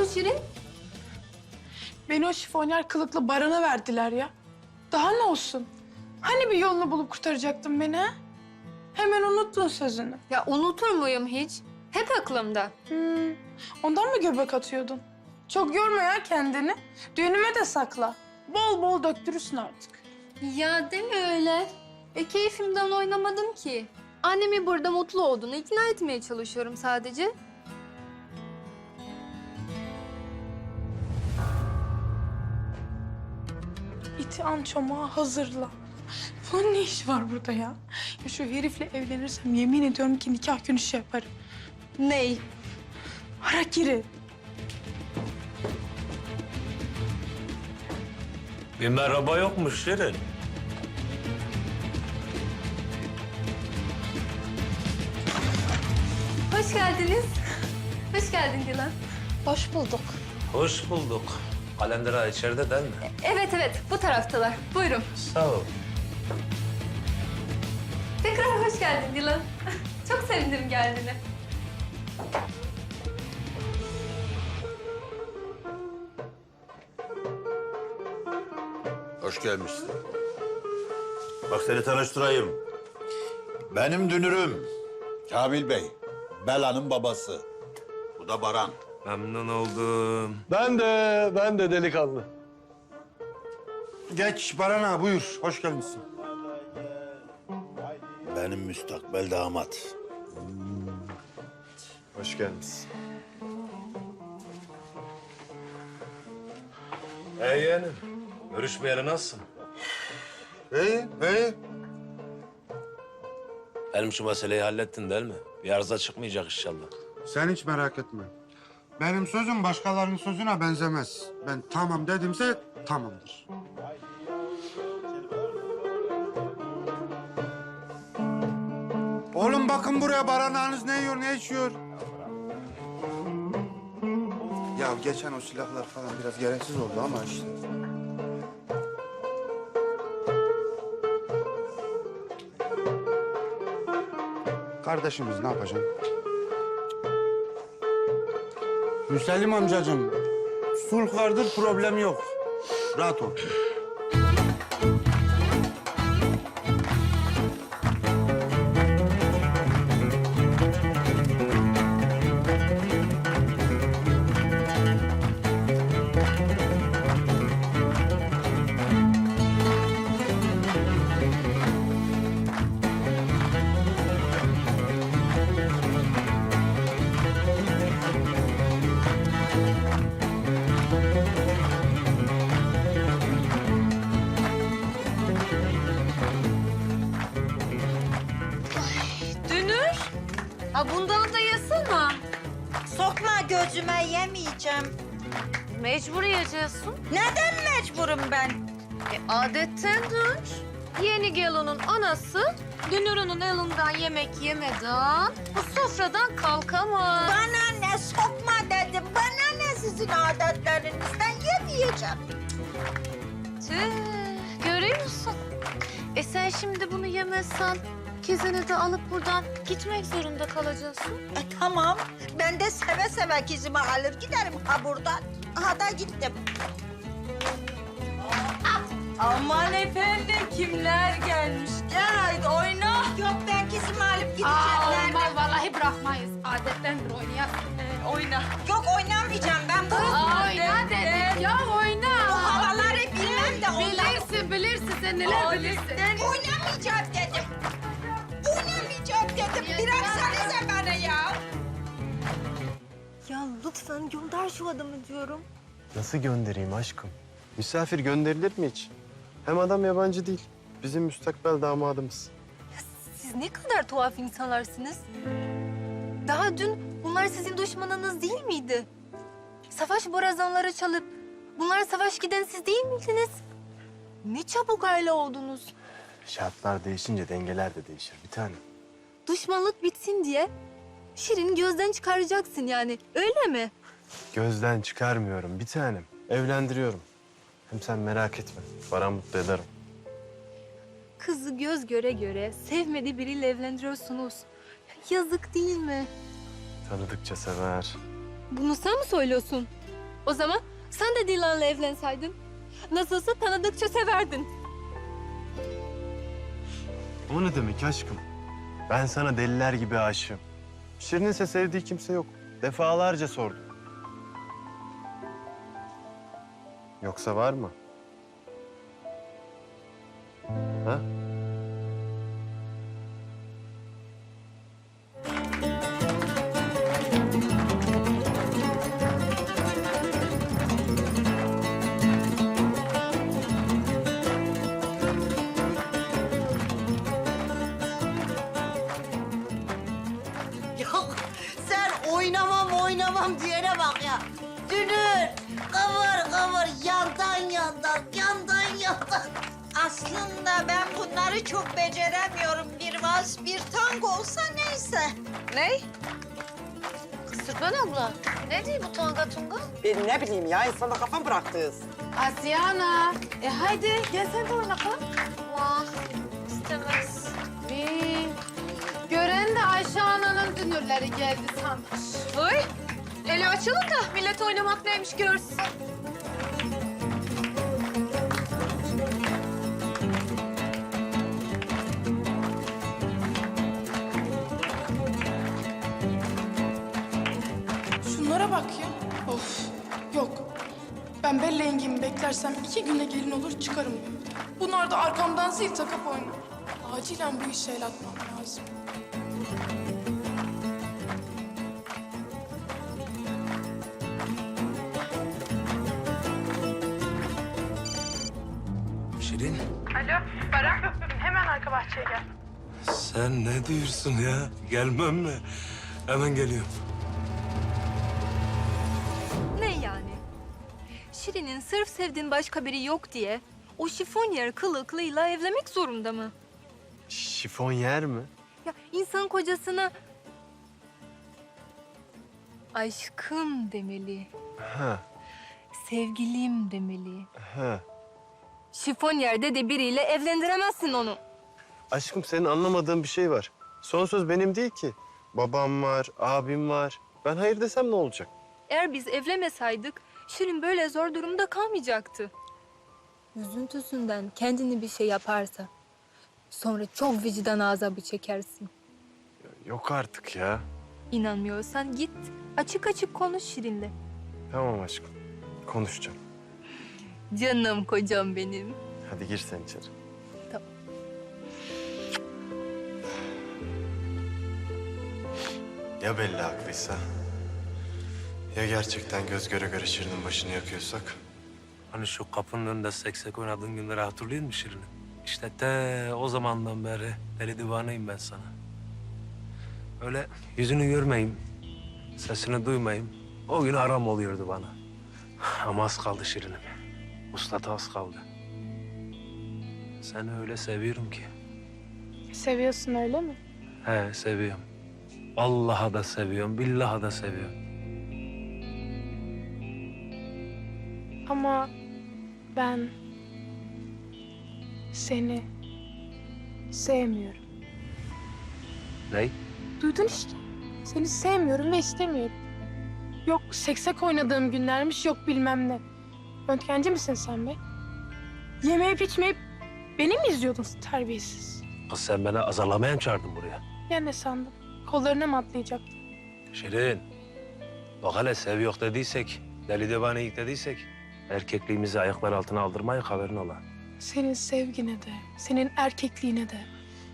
Şirin? Beni o şifonyer kılıklı Baran'a verdiler ya. Daha ne olsun? Hani bir yolunu bulup kurtaracaktın beni ha? Hemen unuttun sözünü. Ya unutur muyum hiç? Hep aklımda. Ondan mı göbek atıyordun? Çok yorma ya kendini. Düğünüme de sakla. Bol bol döktürürsün artık. Ya deme öyle. Keyfimden oynamadım ki. Annemi burada mutlu olduğunu ikna etmeye çalışıyorum sadece. İti an çomağı hazırla. Bunun ne işi var burada ya? Ya şu herifle evlenirsem yemin ediyorum ki nikah günü şey yaparım. Ney? Harakiri. Bir merhaba yokmuş Şirin. Hoş geldiniz. Hoş geldin Dilan. Hoş bulduk. Hoş bulduk. Kalender ağa içeride değil mi? Evet bu taraftalar. Buyurun. Sağ ol. Tekrar hoş geldin Dilan. Çok sevindim geldiğine. Hoş gelmişsin. Bak seni tanıştırayım. Benim dünürüm Kamil Bey. Bela'nın babası. Bu da Baran. Memnun oldum. Ben de delikanlı. Geç Baran ağa buyur. Hoş gelmişsin. Benim müstakbel damat. Hoş geldiniz. Yeğenim. Görüşmeyeli nasılsın? İyi, iyi. Benim şu meseleyi hallettin değil mi? Bir arıza çıkmayacak inşallah. Sen hiç merak etme. Benim sözüm başkalarının sözüne benzemez. Ben tamam dedimse tamamdır. Oğlum bakın buraya Baran ağanız ne yiyor, ne içiyor? Ya geçen o silahlar falan biraz gereksiz oldu ama işte. Kardeşimiz ne yapacaksın? Müsellim amcacığım, sulh vardır, problem yok. Rahat ol. Dünür. Ha bundan da yesene. Sokma gözüme, yemeyeceğim. Mecbur yiyeceksin. Neden mecburum ben? Adettendir. Yeni gelinin anası Dünür'ünün elinden yemek yemeden bu sofradan kalkamaz. Bana ne sokma dedim. Bana ne sizin adetlerinizden yemeyeceğim. Tüh, görüyor musun? Sen şimdi bunu yemezsen kızını da alıp buradan gitmek zorunda kalacaksın. Tamam. Ben de seve seve kızımı alır giderim ha buradan. Aha da gittim. Aman efendim kimler gelmiş? Gel haydi oyna. Yok ben kızımı alıp gideceğim. Nerede? Vallahi bırakmayız. Adetlendir oynayalım. Oyna. Yok oynamayacağım ben bu. Oyna dedik ya oyna. Bu havaları bilmem de ondan. Bilirsin sen neler bilirsin. Oynamayacağım dedim. Oynamayacağım dedim. Bıraksanıza bana ya. Ya lütfen gönder şu adamı diyorum. Nasıl göndereyim aşkım? Misafir gönderilir mi hiç? Hem adam yabancı değil. Bizim müstakbel damadımız. Siz ne kadar tuhaf insanlarsınız. Daha dün bunlar sizin düşmanınız değil miydi? Savaş borazanları çalıp bunlar savaş giden siz değil miydiniz? Ne çabuk aile oldunuz. Şartlar değişince dengeler de değişir bir tanem. Düşmanlık bitsin diye Şirin gözden çıkaracaksın yani öyle mi? Gözden çıkarmıyorum bir tanem. Evlendiriyorum. Hem sen merak etme. Baran mutlu ederim. Kızı göz göre göre sevmediği biriyle evlendiriyorsunuz. Yazık değil mi? Tanıdıkça sever. Bunu sen mi söylüyorsun? O zaman sen de Dilan'la evlenseydin. Nasılsa tanıdıkça severdin. O ne demek aşkım? Ben sana deliler gibi aşığım. Şirin'in ise sevdiği kimse yok. Defalarca sordum. Yoksa var mı? Ha? Yok sen oynamam diyene bak ya. Dünür kıvır kıvır yandan yandan. Aslında ben bunları çok beceremiyorum. Bir vals bir tango olsa neyse. Ne? Kısırgan abla. Ne diyor bu tanga tunga? Ben ne bileyim ya, insana kafam bıraktınız. Asiye ana. Haydi gel sen de oyna kız. Vah, istemez. Gören de Ayşe ananın dünürleri geldi sanmış. Oy, eli açılın da millet oynamak neymiş görsün. Şunlara bak ya. Of. Yok. Ben Bella yengemi beklersem 2 günde gelin olur çıkarım diyor. Bunlar da arkamdan zil takıp oynar. Acilen bu işe el atmam lazım. Şirin, Alo, Baran. Hemen arka bahçeye gel. sen ne diyorsun ya? Gelmem mi? Hemen geliyorum. Ne yani? Şirin'in sırf sevdiğin başka biri yok diye o şifonyer kılıklıyla evlenmek zorunda mı? Şifon yer mi? Ya insan kocasına aşkım demeli, Ha, sevgilim demeli. ha. Şifonyerde de biriyle evlendiremezsin onu. Aşkım senin anlamadığın bir şey var. Son söz benim değil ki. Babam var, abim var. Ben hayır desem ne olacak? Eğer biz evlenmesaydık Şirin böyle zor durumda kalmayacaktı. Üzüntüsünden kendini bir şey yaparsa sonra çok vicdan azabı çekersin. Yok artık ya. İnanmıyorsan git açık açık konuş Şirin'le. Tamam aşkım. Konuşacağım. Canım kocam benim. Hadi gir sen içeri. Tamam. Ya belli haklıysa? Ya gerçekten göz göre göre Şirin'in başını yakıyorsak? Hani şu kapının önünde seksek oynadığın günleri hatırlıyor musun Şirin'im? İşte te o zamandan beri deli divaneyim ben sana. Öyle yüzünü görmeyeyim, sesini duymayayım. O gün aram oluyordu bana. Ama az kaldı Şirin'im. Uslata az kaldı. Seni öyle seviyorum ki. Seviyorsun öyle mi? He, seviyorum. Allah'a da seviyorum, billaha da seviyorum. Ama ben seni sevmiyorum. Ney? Duydun işte. Seni sevmiyorum ve istemiyorum. Yok seksek oynadığım günlermiş, yok bilmem ne. Röntgenci misin sen be? Yemeyip içmeyip beni mi izliyordun terbiyesiz? Kız sen beni azarlamaya mı çağırdın buraya? Ya ne sandın? Kollarına mı atlayacaktın? Şirin, bak hele sev yok dediysek, deli divaneyik dediysek... ...erkekliğimizi ayaklar altına aldırmayın, haberin ola. Senin sevgine de, senin erkekliğine de.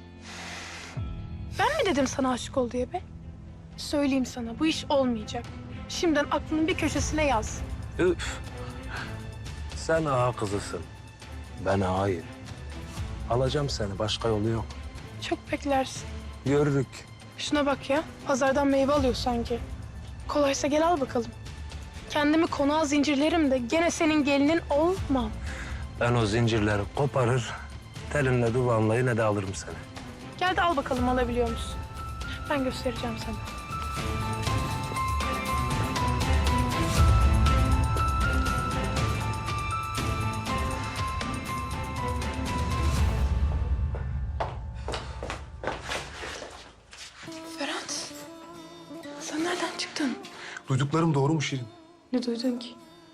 Ben mi dedim sana aşık ol diye be? Söyleyeyim sana, bu iş olmayacak. Şimdiden aklının bir köşesine yaz. Üf! Sen ağa kızısın, ben ağayım. Alacağım seni, başka yolu yok. Çok beklersin. Görürük. Şuna bak ya, pazardan meyve alıyor sanki. Kolaysa gel al bakalım. Kendimi konağa zincirlerim de gene senin gelinin olmam. Ben o zincirleri koparır, telinle duvanla yine de alırım seni. Gel de al bakalım alabiliyor musun? Ben göstereceğim sana. Ferhat, sen nereden çıktın? Duyduklarım doğru mu Şirin? Ne duydun ki?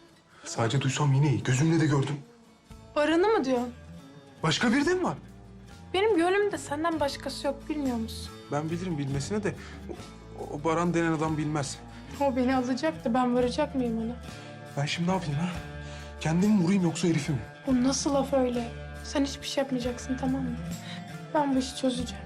Sadece duysam yine iyi. Gözümle de gördüm. Baran'ı mı diyorsun? Başka biri de mi var? Benim gönlümde senden başkası yok, bilmiyor musun? Ben bilirim bilmesine de o Baran denen adam bilmez. O beni alacak da ben varacak mıyım ona? Ben şimdi ne yapayım ha? Kendimi mi vurayım yoksa herifi mi? O nasıl laf öyle? Sen hiçbir şey yapmayacaksın, tamam mı? Ben bu işi çözeceğim.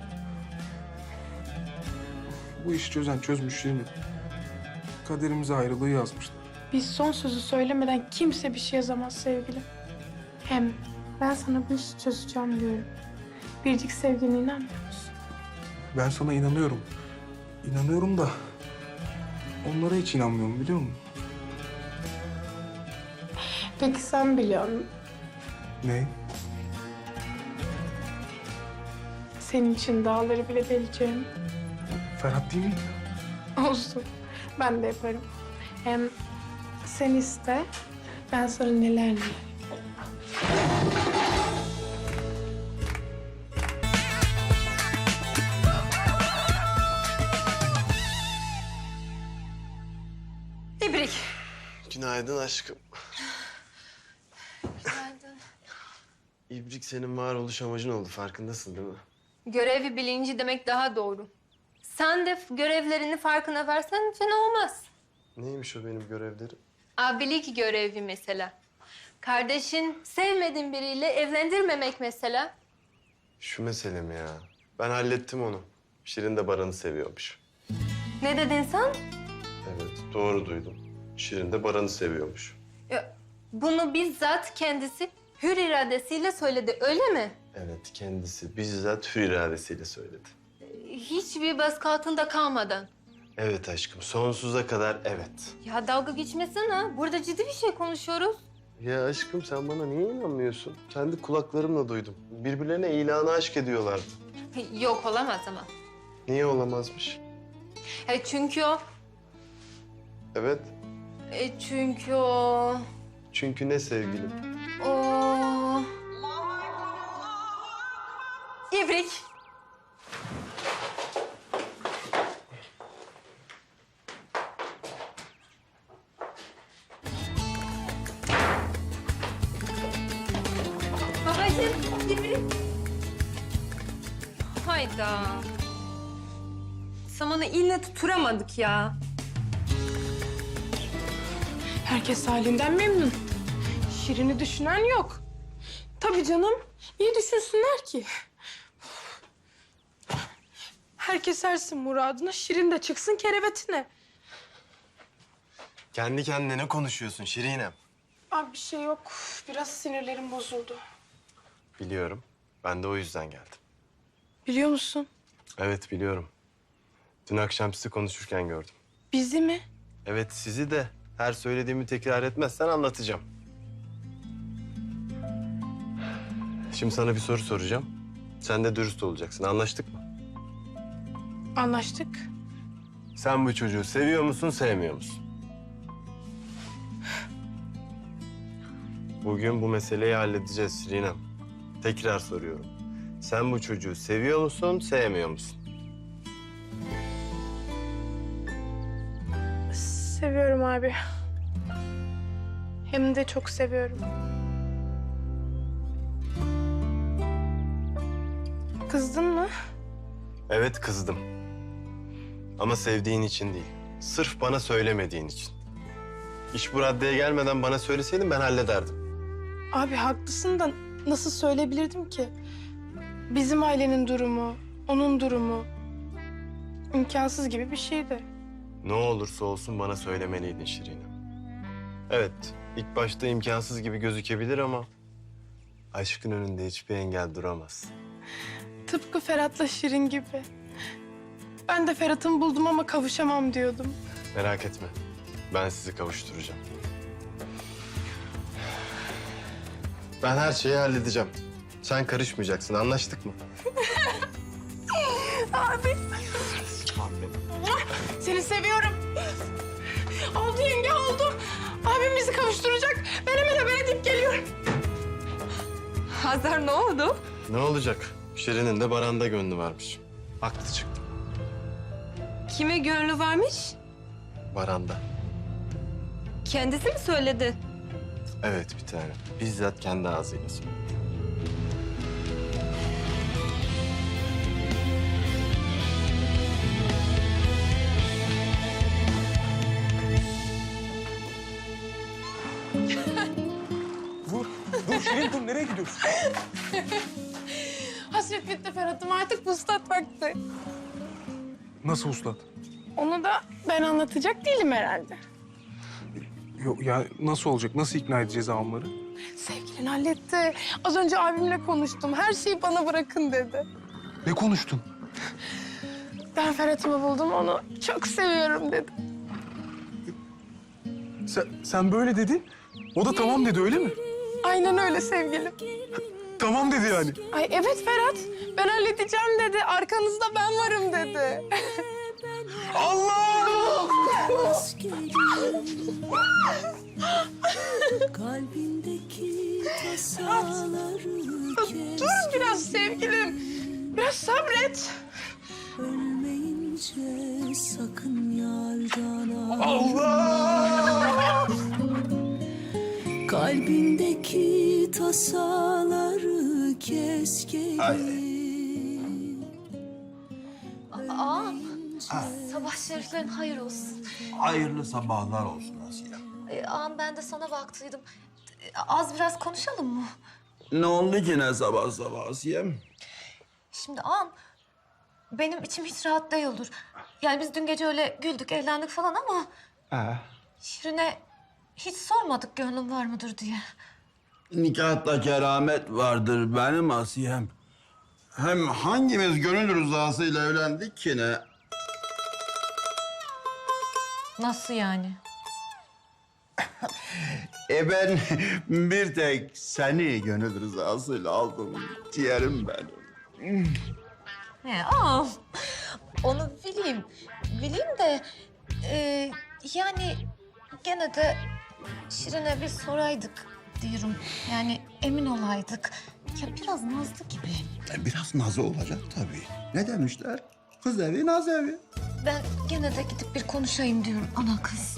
Bu işi çözen çözmüş Şirin. Kaderimize ayrılığı yazmışlar. Biz son sözü söylemeden kimse bir şey yazamaz sevgilim. Hem ben sana bu işi çözeceğim diyorum. Biricik sevdiğine inanmıyor musun? Ben sana inanıyorum. İnanıyorum da onlara hiç inanmıyorum biliyor musun? Peki sen biliyor musun? Ne? Senin için dağları bile deleceğim. Ferhat değil mi? Olsun. Ben de yaparım. Hem sen iste, ben sana neler neler. İbrik. Günaydın aşkım. Günaydın. İbrik senin varoluş amacın oldu. Farkındasın değil mi? Görevi bilinci demek daha doğru. Sen de görevlerini farkına versen fena olmaz. Neymiş o benim görevlerim? Abilik görevi mesela. Kardeşin sevmediğin biriyle evlendirmemek mesela. Şu mesele mi ya? Ben hallettim onu. Şirin de Baran'ı seviyormuş. Ne dedin sen? Evet, doğru duydum. Şirin de Baran'ı seviyormuş. Bunu bizzat kendisi hür iradesiyle söyledi, öyle mi? Evet, kendisi bizzat hür iradesiyle söyledi. Hiçbir baskı altında kalmadan. Evet aşkım, sonsuza kadar evet. Ya dalga geçmesene. Burada ciddi bir şey konuşuyoruz. Ya aşkım sen bana niye inanmıyorsun? Kendi kulaklarımla duydum. Birbirlerine ilanı aşk ediyorlardı. Yok olamaz ama. Niye olamazmış? Çünkü o... Evet, çünkü o... çünkü ne sevgilim? O... İbrik. Babacığım, İbrik. Hayda. Samanı ille tutturamadık ya. Herkes halinden memnun. Şirin'i düşünen yok. Tabii canım. Niye düşünsünler ki? Herkes ersin muradına, Şirin de çıksın kerevetine. Kendi kendine ne konuşuyorsun Şirinem? Abi bir şey yok. Biraz sinirlerim bozuldu. Biliyorum. Ben de o yüzden geldim. Biliyor musun? Evet biliyorum. Dün akşam sizi konuşurken gördüm. Bizi mi? Evet sizi de her söylediğimi tekrar etmezsen anlatacağım. Şimdi sana bir soru soracağım. Sen de dürüst olacaksın. Anlaştık mı? Anlaştık. Sen bu çocuğu seviyor musun, sevmiyor musun? Bugün bu meseleyi halledeceğiz Şirinem. Tekrar soruyorum. Sen bu çocuğu seviyor musun, sevmiyor musun? Seviyorum abi. Hem de çok seviyorum. Kızdın mı? Evet kızdım. Ama sevdiğin için değil. Sırf bana söylemediğin için. İş bu raddeye gelmeden bana söyleseydin ben hallederdim. Abi haklısın da nasıl söyleyebilirdim ki? Bizim ailenin durumu, onun durumu imkansız gibi bir şeydi. Ne olursa olsun bana söylemeliydin Şirine. Evet, ilk başta imkansız gibi gözükebilir ama... aşkın önünde hiçbir engel duramaz. Tıpkı Ferhat'la Şirin gibi. Ben de Ferhat'ımı buldum ama kavuşamam diyordum. Merak etme, ben sizi kavuşturacağım. Ben her şeyi halledeceğim. Sen karışmayacaksın, anlaştık mı? Abi. Seni seviyorum. Oldu yenge oldu. Abim bizi kavuşturacak. Ben hemen haber edip geliyorum. Hazar ne oldu? Ne olacak? Şirin'in de Baran'da gönlü varmış. Haklı çıktım. Kime gönlü varmış? Baran'da. Kendisi mi söyledi? Evet bir tane. Bizzat kendi ağzıyla söyledi. Dur Şirin dur, nereye gidiyorsun? Hasret bitti Ferhat'ım, artık pustat vakti. Nasıl uslat? Onu da ben anlatacak değilim herhalde. Yok ya, nasıl olacak? Nasıl ikna edeceğiz avamları? Sevgilin halletti. Az önce abimle konuştum. Her şeyi bana bırakın dedi. Ne konuştun? Ben Ferhat'ımı buldum, onu çok seviyorum dedi. Sen böyle dedin. O da tamam dedi, öyle mi? Aynen öyle sevgilim. Tamam dedi yani. Ay evet Ferhat, ben halledeceğim dedi. Arkanızda ben varım dedi. Allah! Kalbindeki tasaları Dur biraz sevgilim. Biraz sabret. ölmeyince sakın yardan al. Allah! Kalbindeki tasaları kes gelin. Ağam, sabah şeriflerin hayır olsun. Hayırlı sabahlar olsun Asiye. Ağam ben de sana baktıydım. Az biraz konuşalım mı? Ne oldu ki ne sabah sabah Asiye'm? Şimdi ağam, benim içim hiç rahat değildir. Yani biz dün gece öyle güldük, eğlendik falan ama... Şirin'e hiç sormadık gönlüm var mıdır diye. Nikahta keramet vardır benim Asiye'm. Hem hangimiz gönül rızasıyla evlendik ki ne? Nasıl yani? Ben bir tek seni gönül rızasıyla aldım ciğerim benim. He ağam, onu bileyim. Bileyim de... yani gene de Şirin'e bir soraydık diyorum. Yani emin olaydık. Ya biraz nazlı gibi. Biraz nazı olacak tabii. Ne demişler? Kız evi, naz evi. Ben gene de gidip bir konuşayım diyorum ana kız.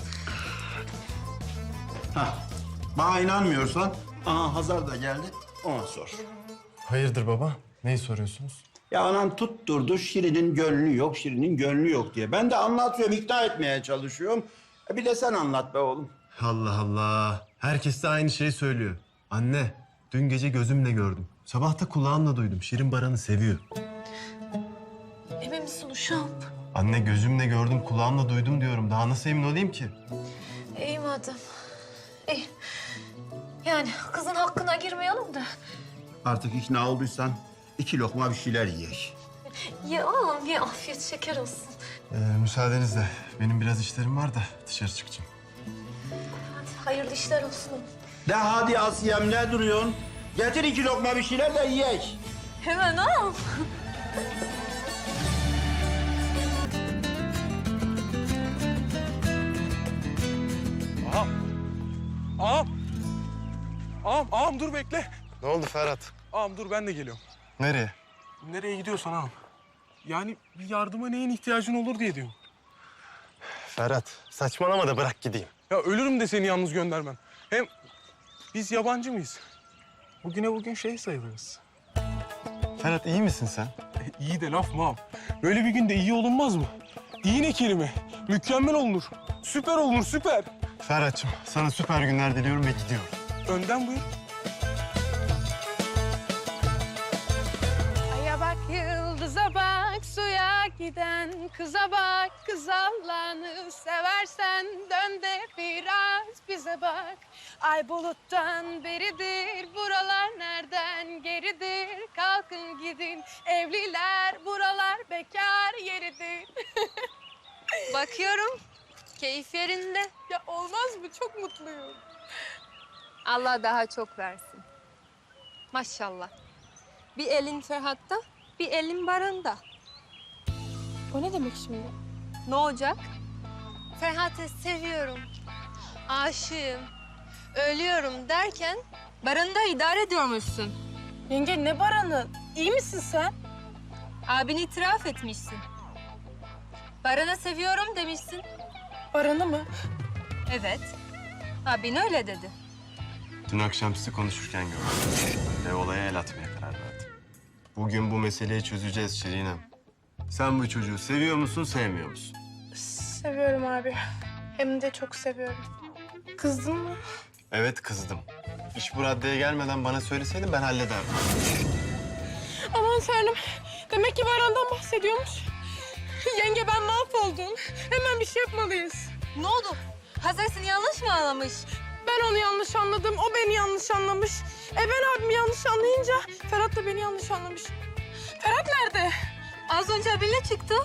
Hah, bana inanmıyorsan, aha Hazar da geldi, ona sor. Hayırdır baba? Neyi soruyorsunuz? Ya anan tutturdu, Şirin'in gönlü yok, Şirin'in gönlü yok diye. Ben de anlatıyorum, ikna etmeye çalışıyorum. Bir de sen anlat be oğlum. Allah Allah. Herkes de aynı şeyi söylüyor. Anne, dün gece gözümle gördüm. Sabah da kulağımla duydum. Şirin Baran'ı seviyor. Emin misin uşağım? Anne gözümle gördüm, kulağımla duydum diyorum. Daha nasıl emin olayım ki? İyi madem. İyi. Yani kızın hakkına girmeyelim de. Artık ikna olduysan 2 lokma bir şeyler yiyek. Ye ağam ye, afiyet şeker olsun. Müsaadenizle. Benim biraz işlerim var da dışarı çıkacağım. Hadi hayırlı işler olsun. De hadi Asiyem, ne duruyorsun? Getir 2 lokma bir şeyler de yiyek. Hemen ağam. Ağam dur bekle. Ne oldu Ferhat? Ağam dur, ben de geliyorum. Nereye? Nereye gidiyorsan ağam. Yani bir yardıma neyin ihtiyacın olur diye diyorum. Ferhat, saçmalama da bırak gideyim. Ya ölürüm de seni yalnız göndermem. Hem biz yabancı mıyız? Bugüne bugün şey sayılırız. Ferhat iyi misin sen? İyi de laf mı ağam? Böyle bir günde iyi olunmaz mı? İyi ne kelime? Mükemmel olunur. Süper olunur, süper. Ferhat'cığım sana süper günler diliyorum ve gidiyorum. Önden buyur. Aya bak, yıldıza bak, suya giden kıza bak. Kız Allah'ını seversen dön de biraz bize bak. Ay buluttan beridir, buralar nereden geridir? Kalkın gidin evliler, buralar bekar yeridir. Bakıyorum keyif yerinde. Ya olmaz mı? Çok mutluyum. Allah daha çok versin. Maşallah. Bir elin Ferhat'ta, bir elin Baran'da. O ne demek şimdi? Ne olacak? Ferhat'ı seviyorum, aşığım, ölüyorum derken Baran'ı da idare ediyormuşsun. Yenge ne Baran'ı? İyi misin sen? Abini itiraf etmişsin. Baran'ı seviyorum demişsin. Baran'ı mı? Evet. Abin öyle dedi. Dün akşam sizi konuşurken gördüm. Ve olaya el atmaya karar verdim. Bugün bu meseleyi çözeceğiz Şirinem. Sen bu çocuğu seviyor musun, sevmiyor musun? Seviyorum abi. Hem de çok seviyorum. Kızdın mı? Evet, kızdım. İş bu raddeye gelmeden bana söyleseydin ben hallederdim. Aman Tanrım. Demek ki Baran'dan bahsediyormuş. Yenge ben mahvoldum. Hemen bir şey yapmalıyız. Ne oldu? Hazar seni yanlış mı anlamış? Ben onu yanlış anladım, o beni yanlış anlamış. Ben abimi yanlış anlayınca Ferhat da beni yanlış anlamış. Ferhat nerede? Az önce abinle çıktı.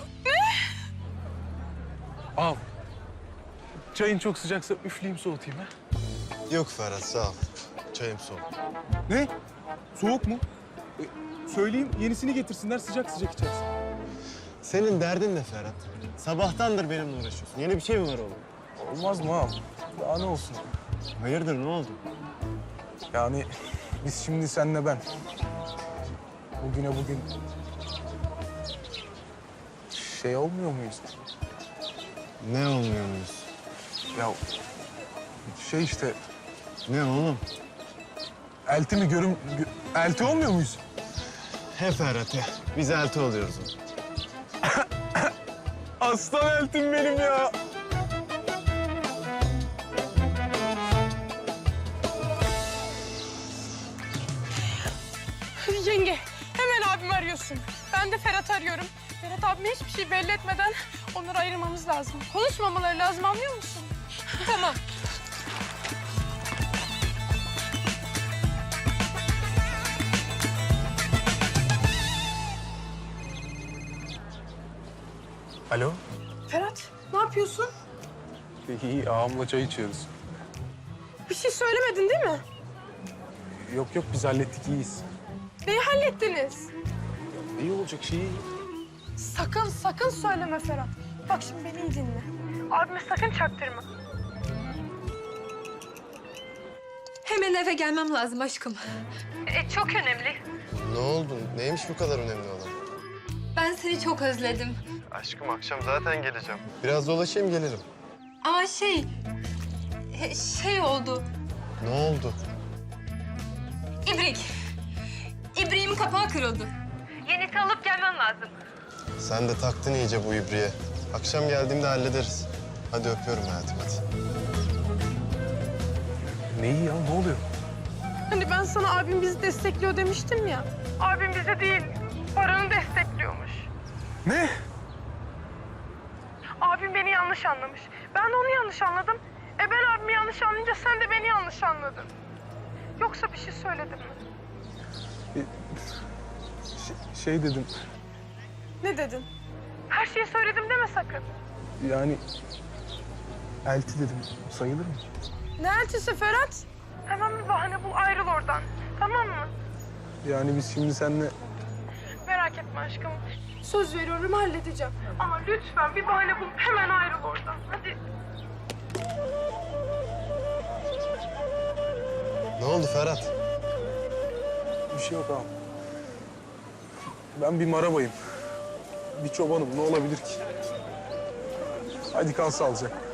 Ağam. Çayın çok sıcaksa üfleyeyim soğutayım ha. Yok Ferhat, sağ ol. Çayım soğuk. Ne? Soğuk mu? Söyleyeyim yenisini getirsinler sıcak sıcak içersin. Senin derdin ne Ferhat? Sabahtandır benimle uğraşıyorsun. Yeni bir şey mi var oğlum? Olmaz mı ağam? Daha ne olsun? Hayırdır, ne oldu? Yani biz şimdi senle ben. Bugüne bugün... Şey olmuyor muyuz? Ne olmuyor muyuz? Ya şey işte Ne oğlum? elti mi elti olmuyor muyuz? He Ferhat he. Biz elti oluyoruz. Aslan eltim benim ya. Yenge, hemen abimi arıyorsun. Ben de Ferhat'ı arıyorum. Ferhat abime hiçbir şey belli etmeden onları ayırmamız lazım. Konuşmamaları lazım, anlıyor musun? Tamam. Alo. Ferhat, ne yapıyorsun? İyi ağamla çay içiyoruz. Bir şey söylemedin değil mi? Yok yok biz hallettik iyiyiz. Neyi hallettiniz? İyi olacak şey iyi. Sakın söyleme Ferhat. Bak şimdi beni iyi dinle. Abime sakın çaktırma. Hemen eve gelmem lazım aşkım. Çok önemli. Ne oldu? Neymiş bu kadar önemli olan? Ben seni çok özledim. Aşkım akşam zaten geleceğim. Biraz dolaşayım gelirim. Ama şey oldu. Ne oldu? İbriğimin kapağı kırıldı. Yenisi alıp gelmem lazım. Sen de taktın iyice bu ibriğe. Akşam geldiğimde hallederiz. Hadi öpüyorum hayatım hadi. Ne iyi ya ne oluyor? Hani ben sana abim bizi destekliyor demiştim ya. Abim bize değil, Baran'ı destekliyormuş. Ne? Abim beni yanlış anlamış. Ben de onu yanlış anladım. Ben abimi yanlış anlayınca sen de beni yanlış anladın. Yoksa bir şey söyledim mi? Şey dedim Ne dedin? Her şeyi söyledim deme sakın. yani elti dedim sayılır mı? Ne elçisi Ferhat? Hemen bir bahane bul, ayrıl oradan. Tamam mı? Yani biz şimdi seninle... Merak etme aşkım. Söz veriyorum halledeceğim. Ama lütfen bir bahane bul, hemen ayrıl oradan. Hadi. Ne oldu Ferhat? Bir şey yok ağam. Ben bir marabayım. Bir çobanım ne olabilir ki? Hadi kal sağlıcakla.